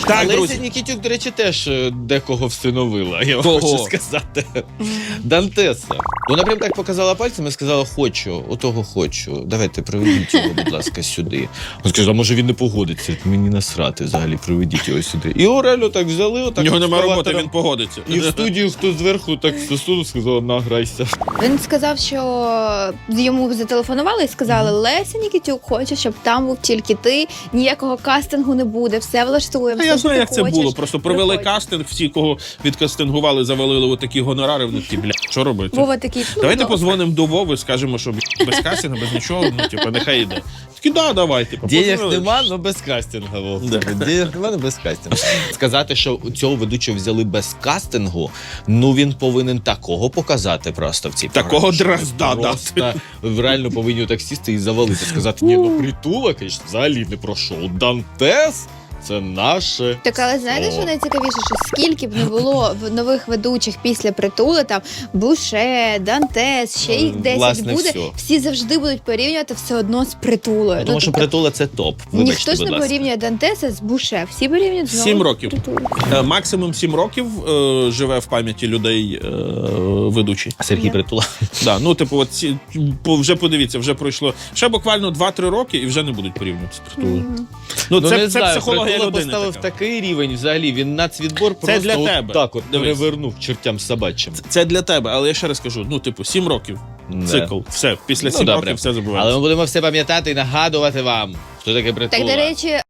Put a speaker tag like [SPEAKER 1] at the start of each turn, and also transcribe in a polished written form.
[SPEAKER 1] Так,
[SPEAKER 2] Леся
[SPEAKER 1] друзі.
[SPEAKER 2] Нікітюк, до речі, теж декого всиновила, я вам
[SPEAKER 1] Кого?
[SPEAKER 2] хочу сказати. Дантеса. Вона прям так показала пальцем і сказала, хочу, отого хочу. Давайте, приведіть його, будь ласка, сюди. Він сказав, а може він не погодиться, мені насрати взагалі, приведіть його сюди. І Орелю так взяли, отак.
[SPEAKER 1] У нього немає роботи,
[SPEAKER 2] екскаватором.
[SPEAKER 1] він погодиться.
[SPEAKER 2] І в студію хто зверху так засунув, сказав, награйся.
[SPEAKER 3] Він сказав, що йому зателефонували і сказали, Леся Нікітюк хоче, щоб там був тільки ти, ніякого кастингу не буде, все влаштуємо.
[SPEAKER 1] А
[SPEAKER 3] все,
[SPEAKER 1] я
[SPEAKER 3] що
[SPEAKER 1] знаю,
[SPEAKER 3] ти
[SPEAKER 1] як це
[SPEAKER 3] хочеш,
[SPEAKER 1] було. Просто провели
[SPEAKER 3] приходь».
[SPEAKER 1] кастинг, всі, кого відкастингували, завалили отакі гонорари, вони такі, бля, що робити?
[SPEAKER 3] Вова такий, ну,
[SPEAKER 1] Давайте
[SPEAKER 3] добре.
[SPEAKER 1] позвонимо до Вови, скажемо, що без кастингу, без нічого, ну, типу, нехай йде. Такі, да, давай, типу.
[SPEAKER 2] Денег
[SPEAKER 1] позвонили.
[SPEAKER 2] нема, але без кастингу. Вов.
[SPEAKER 1] Да.
[SPEAKER 2] Денег нема, але без кастингу. Сказати, що цього ведучого взяли без кастингу, ну він повинен такого показати просто в цій
[SPEAKER 1] Такого
[SPEAKER 2] програмі, що
[SPEAKER 1] дрозда
[SPEAKER 2] ми просто реально повинні так сісти і завалити. Сказати, ні, ну Притула, звісно, взагалі не пройшов. Дантес – це наше.
[SPEAKER 3] Так, але знаєте, що найцікавіше, що скільки б не було нових ведучих після Притули, там Буше, Дантес, ще їх 10
[SPEAKER 2] Власне,
[SPEAKER 3] буде,
[SPEAKER 2] всьо.
[SPEAKER 3] всі завжди будуть порівнювати все одно з Притулою.
[SPEAKER 2] Тому що
[SPEAKER 3] тобто,
[SPEAKER 2] Притула – це топ. Вибачте,
[SPEAKER 3] ніхто ж
[SPEAKER 2] будь
[SPEAKER 3] не
[SPEAKER 2] ласка.
[SPEAKER 3] порівнює Дантеса з Буше, всі порівнюють знову
[SPEAKER 1] 7
[SPEAKER 3] з
[SPEAKER 1] років.
[SPEAKER 3] Притулою.
[SPEAKER 1] Максимум 7 років живе в пам'яті людей ведучий.
[SPEAKER 2] Сергій
[SPEAKER 3] Ні.
[SPEAKER 2] Притула.
[SPEAKER 1] Да, ну, типу, от вже подивіться, вже пройшло ще буквально 2-3 роки і вже не будуть порівнювати з Притулою. Ну,
[SPEAKER 2] Ну,
[SPEAKER 1] це
[SPEAKER 2] не знаю,
[SPEAKER 1] психологія
[SPEAKER 2] Притула
[SPEAKER 1] людини
[SPEAKER 2] поставив
[SPEAKER 1] така.
[SPEAKER 2] такий рівень взагалі, він нацвідбор
[SPEAKER 1] Це
[SPEAKER 2] просто
[SPEAKER 1] для
[SPEAKER 2] от
[SPEAKER 1] тебе.
[SPEAKER 2] так от
[SPEAKER 1] Дивись.
[SPEAKER 2] перевернув чертям собачим.
[SPEAKER 1] Це для тебе, але я ще раз кажу, ну, типу, 7 років,
[SPEAKER 2] Да.
[SPEAKER 1] цикл, все, після
[SPEAKER 2] Ну,
[SPEAKER 1] 7
[SPEAKER 2] добре.
[SPEAKER 1] років все
[SPEAKER 2] Але
[SPEAKER 1] забувається.
[SPEAKER 2] ми будемо все пам'ятати і нагадувати вам, хто таке Притула.
[SPEAKER 3] Так, до речі,